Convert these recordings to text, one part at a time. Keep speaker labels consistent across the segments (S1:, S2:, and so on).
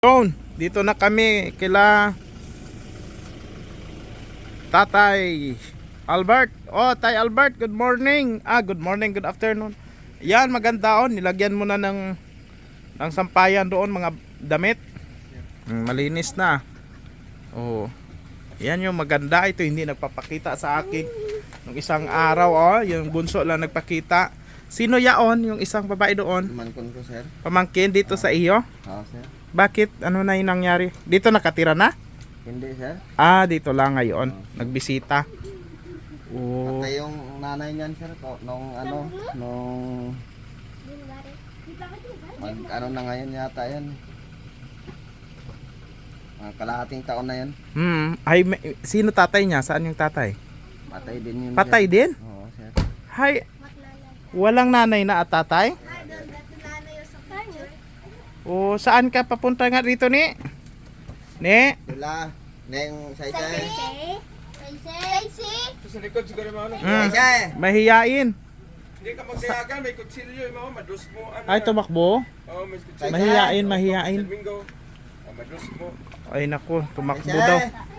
S1: Yun, dito na kami kila Tatay Albert. Oh, Tay Albert, good morning. Good morning, good afternoon. Yan, maganda on. Nilagyan mo na ng sampayan doon mga damit. Malinis na. Oh. Yan yung maganda. Ito hindi nagpapakita sa akin nung isang araw. Oh, yung bunso lang nagpakita. Sino yaon? Yung isang babae doon?
S2: Pamangkin ko, sir.
S1: Pamangkin dito sa iyo?
S2: Oo, sir.
S1: Bakit? Ano na yung nangyari? Dito nakatira na?
S2: Hindi, sir.
S1: Dito lang ngayon. Nagbisita. Oh.
S2: Patay yung nanay niyan, sir. Nung na ngayon yata yan. Kalahating taon na yan.
S1: Sino tatay niya? Saan yung tatay?
S2: Patay din yun.
S1: Patay
S2: sir.
S1: din?
S2: Oo, sir.
S1: Hay, walang nanay na at tatay? Oh, saan ka papunta nga dito ni? Ni?
S2: Dula. Neng Saysay.
S3: Sa likod siguro mo ano.
S2: Saysay!
S1: Mahiyain.
S3: Hindi ka magsayagan, may kutsilyo yung mga madus mo. Ano,
S1: Ay, tumakbo?
S3: Oo, may kutsilyo.
S1: Mahiyain.
S3: Domingo. Madus mo.
S1: Ay, naku, tumakbo daw.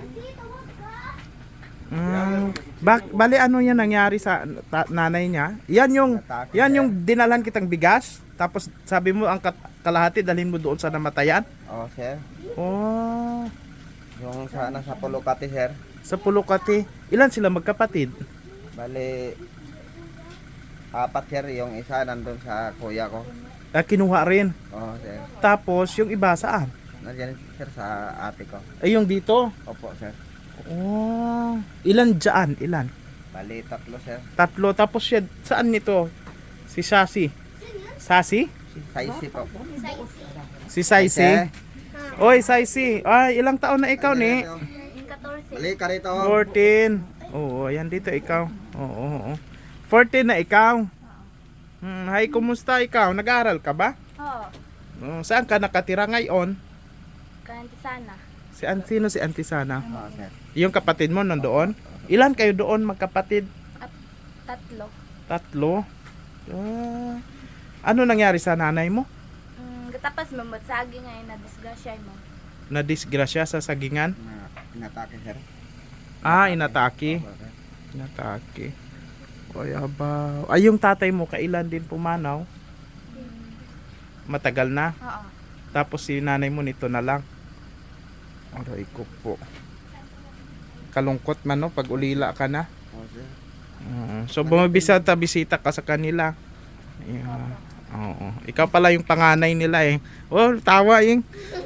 S1: Bali ano yan nangyari sa nanay niya? Yan yung dinalan kitang bigas. Tapos sabi mo ang kalahati dalhin mo doon sa namatayan.
S2: Oo, sir.
S1: Oh,
S2: Yung sa Pulocati, sir.
S1: sa Pulocati. Ilan sila magkapatid?
S2: Bali, 4, sir. Yung isa nandun sa kuya ko.
S1: Kinuha rin.
S2: Oo, sir.
S1: Tapos yung iba saan?
S2: Nandiyan, sir, sa ate ko.
S1: Ay yung dito.
S2: Opo, sir.
S1: Oh, ilan dyan? Ilan?
S2: Bali, 3, sir.
S1: 3. Tapos siya, saan nito? Si Sasi. Sasi?
S2: Saisi po.
S1: Si Saisi? Oy, Saisi. Ay, ilang taon na ikaw ni?
S2: Bali, ka rito.
S1: 14. Oo, ayan dito ikaw. Oo. 14 na ikaw. Hi, kumusta ikaw? Nag-aaral ka ba?
S4: Oo.
S1: Saan ka nakatira ngayon?
S4: Kanti sana.
S1: Sino si Auntie Sana?
S2: Oo, sir.
S1: Yung kapatid mo nandoon? Ilan kayo doon magkapatid?
S4: 3.
S1: 3. Ano nangyari sa nanay mo?
S4: Tapos mamutsagi ngayon na disgrasya mo.
S1: Na-disgrasya sa sagingan?
S2: Inatake, sir.
S1: Inatake.
S2: Opo, sir.
S1: Inatake. Ay, aba. Ay, yung tatay mo, kailan din pumanaw? Matagal na.
S4: Oo.
S1: Tapos si nanay mo nito na lang. Aray ko po. Kalungkot man no, pag ulila ka na.
S2: Oo, sir.
S1: So bisita ka sa kanila. Yeah. Oo. Ikaw pala yung panganay nila eh. Oh, tawa yung.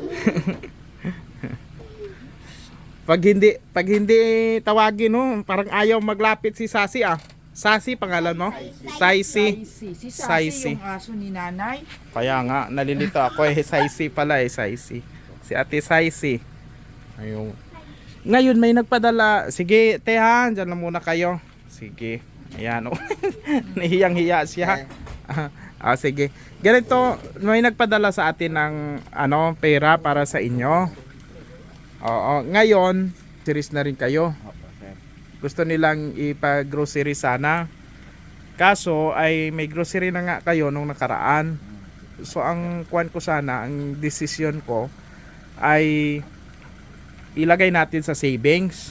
S1: Pag hindi tawagin no, parang ayaw maglapit si Sasi ah. Sasi pangalan mo? Saisi.
S5: Si
S1: Saisi.
S5: Sasi yung aso ni nanay.
S1: Kaya nga nalilito ako eh. Saisi pala eh, Saisi. Si Ate Saisi. Ayun. Ngayon may nagpadala. Sige, tehan, dyan lang muna kayo. Sige. Ayan oh. Nahiyang-hiya siya. Sige. Ganito, may nagpadala sa atin ng pera para sa inyo. Oo, ngayon, series na rin kayo.
S2: Opo, sir.
S1: Gusto nilang ipag-grocery sana. Kaso ay may grocery na nga kayo nung nakaraan. So ang kuwan ko sana, ang decision ko ay ilagay natin sa savings.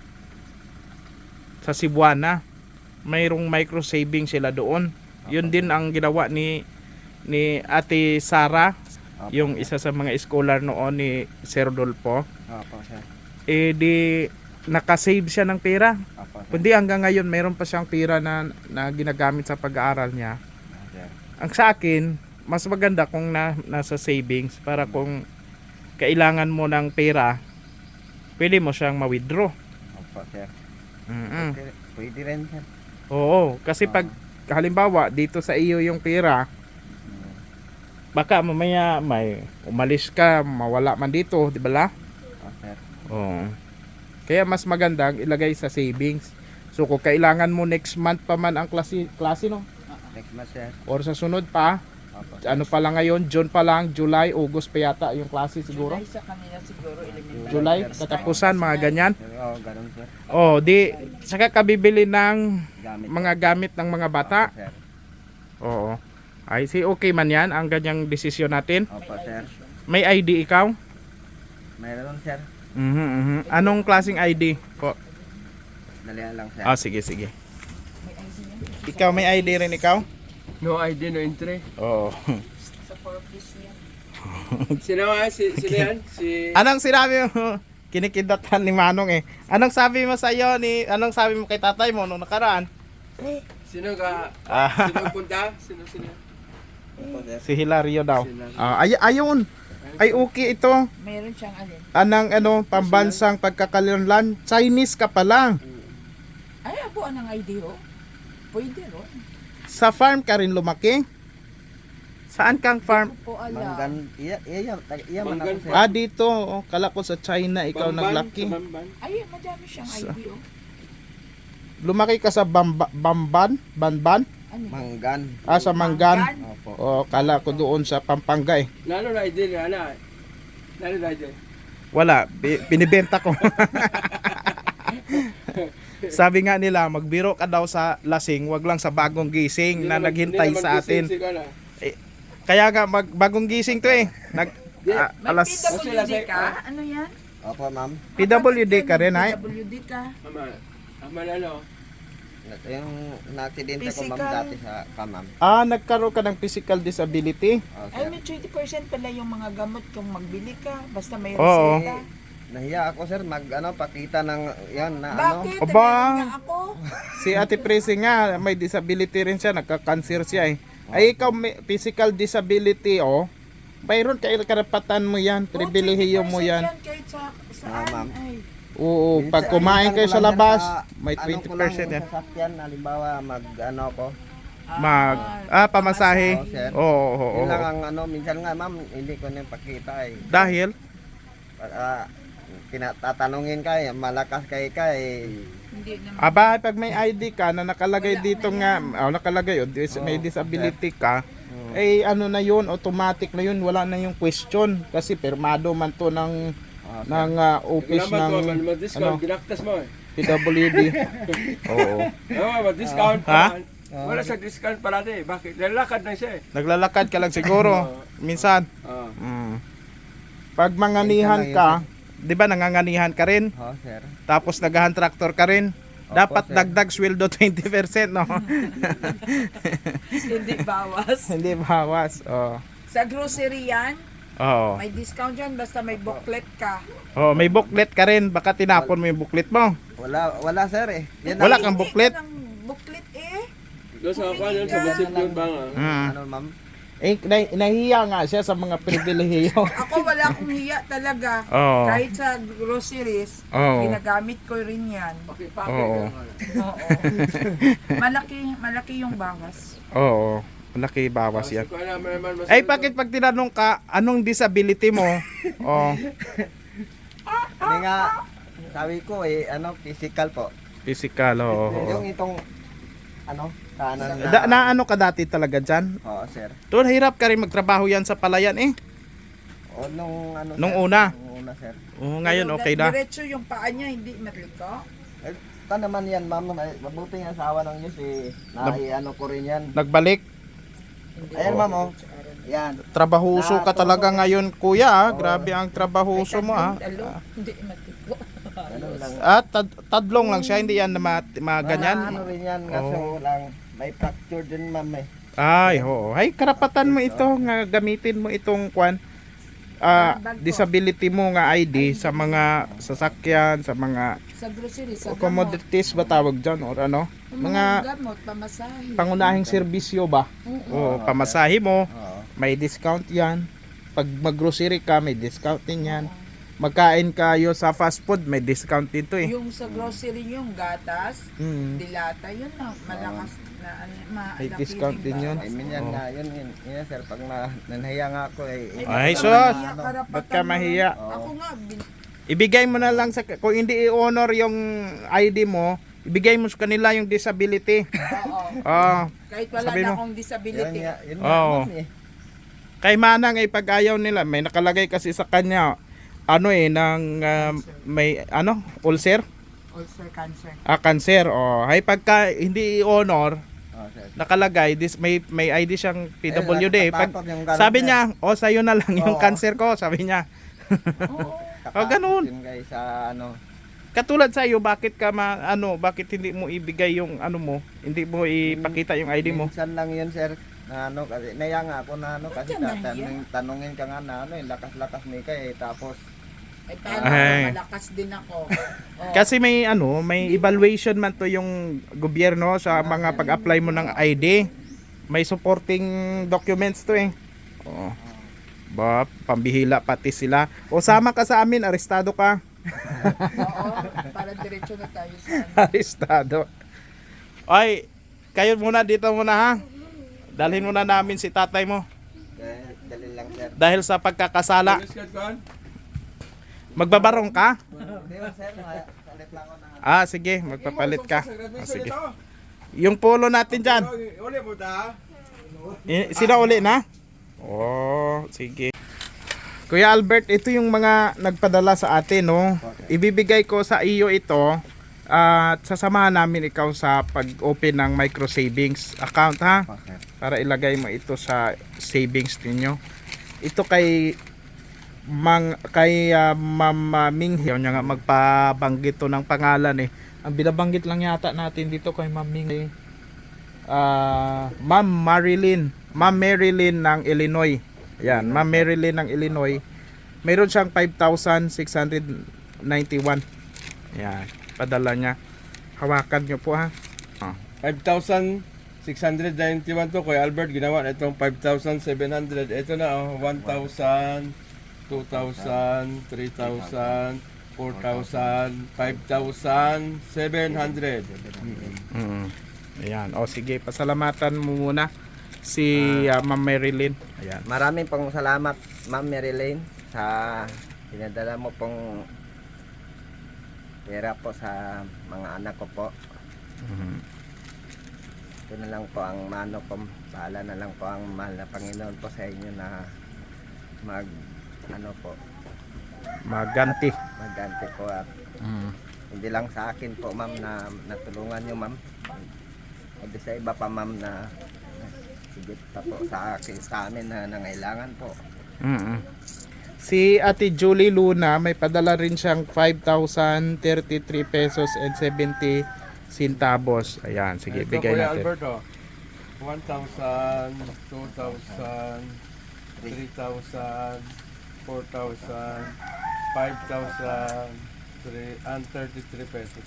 S1: Sa Cebuana. Mayroong micro savings sila doon. Yun din ang ginawa ni Ate Sara, yung isa sa mga scholar noon ni Sir Rodolfo.
S2: Opo, sir.
S1: Di nakasave siya ng pera.
S2: Opo, sir.
S1: Kundi hanggang ngayon mayroon pa siyang pera na ginagamit sa pag-aaral niya.
S2: Sir.
S1: Ang sa akin, mas maganda kung nasa savings para kung kailangan mo ng pera, pwede mo siyang ma-withdraw.
S2: Opo, sir. Pwede rin, sir.
S1: Oo, kasi pag halimbawa dito sa iyo yung pera, baka mamaya may umalis ka, mawala man dito, di ba la?
S2: Opo, sir.
S1: Oo. Kaya mas maganda ilagay sa savings. So kung kailangan mo next month pa man ang klase no?
S2: Next month, sir.
S1: Or sa sunod pa,
S2: Opo, sir.
S1: ano pa lang ngayon, June pa lang, July, August pa yata yung klase siguro.
S5: July sa kanila siguro elementary.
S1: July, katapusan, mga ganyan.
S2: Oo, ganun, sir.
S1: Oh, di saka kabibili ng
S2: Gamit.
S1: mga gamit ng mga bata.
S2: Opo, sir.
S1: Oo. Ay, okay man yan ang ganyang desisyon natin.
S2: Opo, sir.
S1: May ID ikaw?
S2: Mayroon sir.
S1: Anong klaseng ID po?
S2: Dalihan lang sir.
S1: Ah, sige, sige. Ikaw, may ID rin ikaw?
S3: No ID, no entry.
S1: Oo.
S5: Sa purpose yan.
S3: Sino nga? Sino yan? Si...
S1: Anong sinabi mo? Kinikidatan ni Manong eh. Anong sabi mo anong sabi mo kay tatay mo nung nakaraan?
S3: Sino ka?
S1: Ah.
S3: Sino punta? Sino?
S2: Opo, sir.
S1: Si Hilario daw.
S3: Hilario.
S1: Ayun. Ay okay ito.
S5: Meron siyang alin.
S1: Anang pambansang pagkakalanlan. Chinese ka pala.
S5: Ay, abuan ang ID ho. Pwede ro.
S1: Sa farm ka rin lumaki? Saan kang farm?
S5: Po ala.
S2: Manggan, iya man
S3: Manggan
S2: ako sir.
S1: Ah, dito. Oh, kala ko sa China ikaw naglaki.
S3: Sa Bamban.
S5: Ay, madami siyang ID ho.
S1: Lumaki ka sa Banban?
S5: Ano?
S2: Manggan.
S1: Ah, sa Manggan.
S2: Opo.
S1: Oh, kala ko doon sa Pampanga eh.
S3: Lalo na ID niya, ana. Lalo na ID.
S1: Wala, pinibenta ko. Sabi nga nila, magbiro ka daw sa lasing, wag lang sa bagong gising na naghintay sa atin. Kaya nga bagong gising to eh.
S5: May
S1: Alas
S5: PWD ka? Ano yan?
S2: Opo, ma'am.
S1: PWD ka rin ay?
S5: PWD ka.
S3: Ama lalo.
S2: Yung na-aksidente ko ma'am
S5: Physical.
S2: dati sa ma'am.
S1: Ah, nagkaroon ka ng physical disability?
S2: Oh,
S5: Ay,
S2: sir.
S5: may 20% pala yung mga gamot kung magbili ka. Basta may
S1: Oo.
S5: reseta.
S2: Nahiya ako sir pakita ng yan na
S5: Bakit?
S1: Aba.
S5: Meron nga ako.
S1: Si Ate Prissy nga, may disability rin siya, nagka-cancer siya eh. Ay ikaw may physical disability oh. Mayroon kayo karapatan mo yan, pribilehiyo mo yan.
S5: Kahit
S2: Ah, ma'am.
S5: Ay.
S1: Oo,
S2: Minsan-
S1: pag kumain kayo
S2: minsan
S1: sa
S2: ko lang
S1: labas,
S2: yan
S1: may
S2: ko
S1: 20%
S2: lang
S1: yan.
S2: sa sasakyan, halimbawa ko.
S1: Pamasahe.
S2: Oo, sir.
S1: Oo.
S2: Yun lang ang minsan nga ma'am, hindi ko na pakita eh.
S1: Dahil
S2: Tatanungin ka eh, malakas kay
S5: Hindi naman.
S1: aba pag may ID ka na nakalagay dito nga, nakalagay may disability ka, eh ano na yun, automatic na yun, wala na yung question kasi pirmado man to ng office ng
S3: Mag-discount, ginaktas mo eh.
S1: PWD. Oo.
S3: Mag-discount
S1: Ha?
S3: pa. Wala sa discount parati. Bakit? Lalakad na siya eh.
S1: Naglalakad ka lang siguro minsan.
S3: Oo.
S1: Pag manganihan ka, 'di ba nanganganihan ka rin?
S2: Oh, sir.
S1: Tapos nagahan tractor ka rin.
S2: Opo,
S1: Dapat
S2: sir.
S1: dagdag sweldo 20%, no?
S5: Hindi bawas.
S1: Hindi bawas. Oh.
S5: Sa grocery yan,
S1: Oo.
S5: may discount yan basta may booklet ka.
S1: Oh, may booklet ka rin. Baka tinapon mo yung booklet mo.
S2: Wala sir eh. Yan
S1: Wala
S2: ang-
S1: kang booklet.
S5: Hindi ka ng booklet eh.
S3: Doon sa ako yun, sa basip yun ba nga?
S2: ma'am?
S1: Eh, nahihiya nga siya sa mga pribilehiyo.
S5: Ako wala akong hiya talaga.
S1: Oo.
S5: Kahit sa groceries,
S1: Oo.
S5: ginagamit ko rin yan.
S3: Pakipake.
S1: Oo.
S5: Oo. malaki yung bawas.
S1: Oo. Malaki bawas yan.
S3: Ko alam naman mas-
S1: Ay, bakit pag tinanong ka, anong disability mo? Oh,
S2: Hindi nga, sabi ko eh, physical po.
S1: physical, oo.
S2: Yung itong, kanan
S1: Na ano ka dati talaga dyan?
S2: Oo, sir.
S1: Doon, hirap ka rin magtrabaho yan sa palayan eh.
S2: O,
S1: Nung una?
S2: Nung una, sir.
S1: Oo, ngayon
S5: Pero
S1: okay na.
S5: Diretso yung paa niya, hindi matliko.
S2: Ito naman yan, ma'am. Mabuti nga sa awa ng Diyos eh. Ko rin yan.
S1: Nagbalik.
S2: Ayan, ma'am, oh. Yan.
S1: Trabahuso ka talaga ngayon, kuya. Ah. Grabe ang trabahuso mo. Ah.
S5: Hindi matliko.
S2: Ganun lang.
S1: At tadlong lang siya, hindi yan na ganyan.
S2: Ano rin yan, kaso lang. May fracture din, ma'am eh.
S1: Ay, oo. Ay, karapatan mo ito nga gamitin mo itong disability mo nga ID sa mga sasakyan, sa mga
S5: Sa grocery, sa gamot.
S1: commodities ba tawag dyan or ano?
S5: Yung
S1: Mga
S5: gamot, pamasahe.
S1: pangunahing serbisyo ba? O pamasahe mo,
S2: Oo.
S1: may discount yan. Pag mag-grocery ka, may discount din yan. Magkain kayo sa fast food, may discount dito eh.
S5: Yung sa grocery yung gatas,
S1: Mm.
S5: dilata, yun na malakas na
S1: May
S5: malaki
S1: discount
S5: rin
S1: din yun.
S5: bawas.
S2: I mean yan nga, yun, sir. Pag nahiya nga ako eh.
S1: Ay,
S5: Ba't
S1: sus!
S5: ka mahiya? Karapatan
S1: Ba't ka
S5: mo
S1: mahiya?
S5: rin. Ako nga,
S1: Ibigay mo na lang sa kung hindi i-honor yung ID mo, ibigay mo sa kanila yung disability.
S5: oo.
S1: Ah,
S5: Kahit wala
S1: Sabi
S5: na
S1: mo.
S5: akong
S2: Yun
S5: disability.
S2: nga, yun nga,
S1: Oo.
S2: ma'am eh.
S1: kay Manang ay pag ayaw nila, may nakalagay kasi sa kanya may ulcer,
S5: Ulcer cancer.
S1: cancer. Oh, ay pagka hindi i-honor,
S2: Oo, sir.
S1: nakalagay may ID siyang PWD. Pag
S2: natatakot yung ganun,
S1: sabi
S2: sir.
S1: niya, "Oh, sa'yo na lang yung
S2: Oo.
S1: cancer ko," sabi niya.
S5: Oo.
S1: Oh, ganun.
S2: Yun guys sa ano.
S1: Katulad sa iyo, bakit ka bakit hindi mo ibigay yung ano mo? Hindi mo ipakita yung ID mo?
S2: Minsan lang yun sir. Na ano kasi naya nga ako na ano kasi
S5: Diyan na yan.
S2: tanungin ka nga na ano lakas-lakas may ka tapos
S5: Ay, paano
S1: Ay.
S5: malakas din ako. Oh.
S1: Kasi may may evaluation man to yung gobyerno sa mga pag-apply mo ng ID. May supporting documents to eh. Oo. Ba, pambihila pati sila. O sama ka sa amin, arestado ka.
S5: Oo, para diretso na tayo sa
S1: Arestado. Ay, kayo muna dito muna ha. Dalhin muna namin si tatay mo
S2: dali lang sir.
S1: dahil sa pagkakasala. Magbabarong ka?
S2: Hindi mo sir, salit lang ako na.
S1: Ah, sige, magpapalit ka. Ah, sige. Yung polo natin dyan.
S3: Uli mo ta.
S1: Sila uli na? Oh, sige. Kuya Albert, ito yung mga nagpadala sa atin, no? Ibibigay ko sa iyo ito at sasamahan namin ikaw sa pag-open ng micro savings account, ha?
S2: Okay.
S1: Para ilagay mo ito sa savings ninyo. Ito kay Ma'am Ming. Yaw niya nga magpabanggit to ng pangalan eh. Ang binabanggit lang yata natin dito kay Ma'am Ming Ma'am Marilyn ng Illinois. Ayan, Ma'am Marilyn ng Illinois. Mayroon siyang 5,691. Ayan, padala niya. Hawakan niyo po ha.
S3: 5,691 to Kuya Albert, ginawa na itong 5,700. Ito na 1,000, 2,000, 3,000, 4,000, 5,700.
S1: Ayan, o sige, pasalamatan mo muna si Ma'am Marilyn. Ayan.
S2: Maraming pong salamat Ma'am Marilyn sa pinadala mo pong pera po sa mga anak ko po. Ito na lang po ang mano ko. Bahala na lang po ang mahal na Panginoon po sa inyo na
S1: Maganti.
S2: magganti po at hindi lang sa akin po ma'am na natulungan nyo ma'am. Hindi sa iba pa ma'am na sigit pa po sa akin sa amin na nangailangan po.
S1: Si Ate Julie Luna may padala rin siyang 5,033 pesos and 70 centavos. Ayan, sige,
S3: Ito,
S1: bigay
S3: Kuya
S1: natin.
S3: Albert, 1,000, 2,000, 3,000, 4,000, 5,000, and 33 pesos.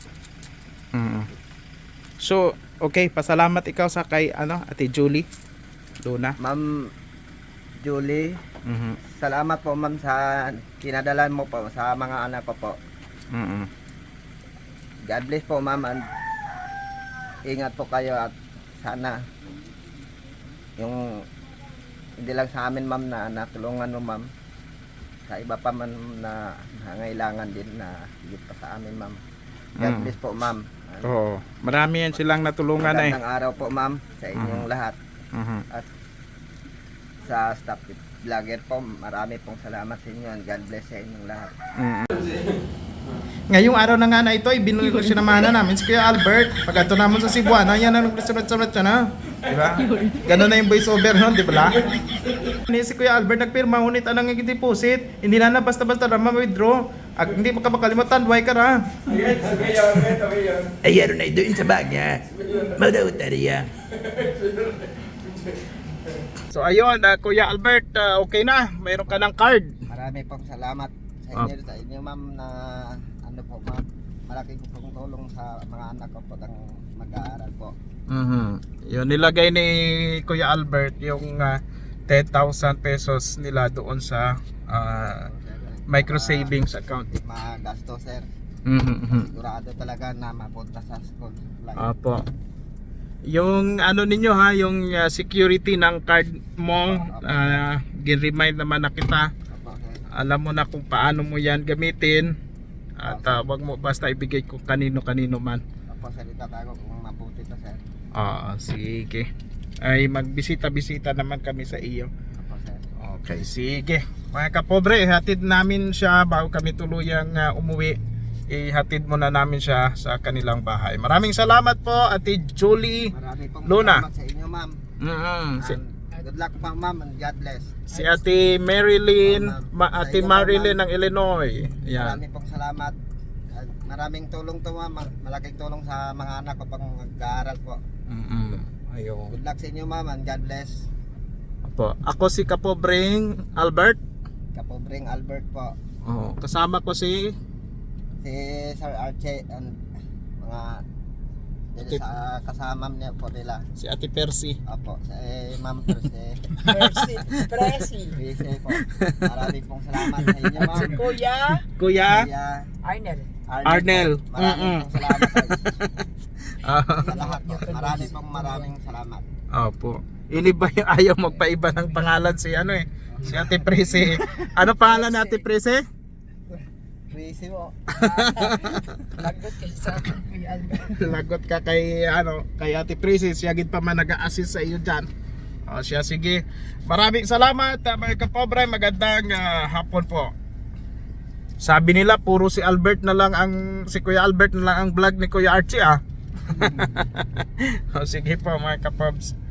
S1: So, okay, pasalamat ikaw sa kay Ate Julie Luna.
S2: Ma'am Julie, salamat po ma'am sa kinadalan mo po sa mga anak ko po. God bless po ma'am and ingat po kayo at sana yung hindi lang sa amin ma'am na natulungan mo ma'am, sa iba pa man na nangailangan din na higit pa sa amin ma'am. God bless po ma'am.
S1: Oo, marami yan silang natulungan eh.
S2: Magandang araw po ma'am sa inyong lahat at sa staff vlogger po, marami pong salamat sa inyo and God bless sa inyong lahat.
S1: Ngayong araw na nga na ito, ibinuli ko sinamahan na namin si Kuya Albert. Pag ato naman sa Cebuana, yan ang nagsunod-sunod siya na. Diba? Ganun na yung voice over nun, di ba? Si Kuya Albert nagpirma, ngunit anong naging deposit, hindi na basta-basta na ma-withdraw. Hindi mo ka makalimutan, duway ka na.
S6: Ayan na doon sa bagya. Madawat na riya.
S1: So ayun, Kuya Albert, okay na. Mayroon ka ng card.
S2: Marami pong salamat sa inyo ma'am na ano po ma'am, malaking pong tulong sa mga anak ko po ng mag-aaral po.
S1: Yun, nilagay ni Kuya Albert yung 10,000 pesos nila doon sa micro savings account.
S2: Magasto sir. Sigurado talaga na mapunta sa school.
S1: Apo. Yung ninyo ha, yung security ng card mo, gin-remind naman na kita. Alam mo na kung paano mo yan gamitin. At wag mo basta ibigay kung kanino-kanino man.
S2: Opo sir, itatago kung mabuti to sir.
S1: Sige. Ay magbisita-bisita naman kami sa iyo.
S2: Opo sir.
S1: Okay, sige. Mga kapobre, hatid namin siya bago kami tuluyang umuwi. Ihatid muna namin siya sa kanilang bahay. Maraming salamat po, Ate Julie
S2: Marami pong
S1: Luna.
S2: salamat sa inyo ma'am.
S1: And
S2: Good luck pa ma'am and God bless.
S1: Si Ate Marilyn,
S2: Ma'am.
S1: Ate
S2: Sa inyo,
S1: Marilyn
S2: ma'am.
S1: ng Illinois. Yan.
S2: Maraming pong salamat. At maraming tulong to ma'am. Malaking tulong sa mga anak ko pang mag-aaral po.
S1: Ayun.
S2: Good luck sa inyo ma'am and God bless.
S1: Po. Ako si Kapobring Albert.
S2: Kapobring Albert po.
S1: Oh, kasama ko si
S2: Si Sir Archie and mga dili sa kasama niya po nila.
S1: si Ate Percy.
S2: Opo, si Ma'am Percy.
S5: Presley.
S2: Percy po. Maraming pong salamat sa inyo ma'am.
S5: Si Kuya
S1: Kuya
S2: Kuya
S5: Arnel.
S1: Arnel.
S2: Maraming pong salamat
S1: Ah,
S2: sa lahat po. Maraming salamat.
S1: Opo. Ini ba yung ayaw magpaiba ng pangalan si ano eh? Si Ate Percy. Ano pangalan ni Ate Percy?
S2: Percy po.
S5: Lagot ka sa Kuya Albert.
S1: Lagot ka kay ano, kay Ate Percy. Siya gid pa man nag-a-assist sa iyo diyan. O siya, sige. Maraming salamat mga kapobre. Magandang hapon po. Sabi nila puro si Albert na lang si Kuya Albert na lang ang vlog ni Kuya Archie ah. O sige po mga kapobs.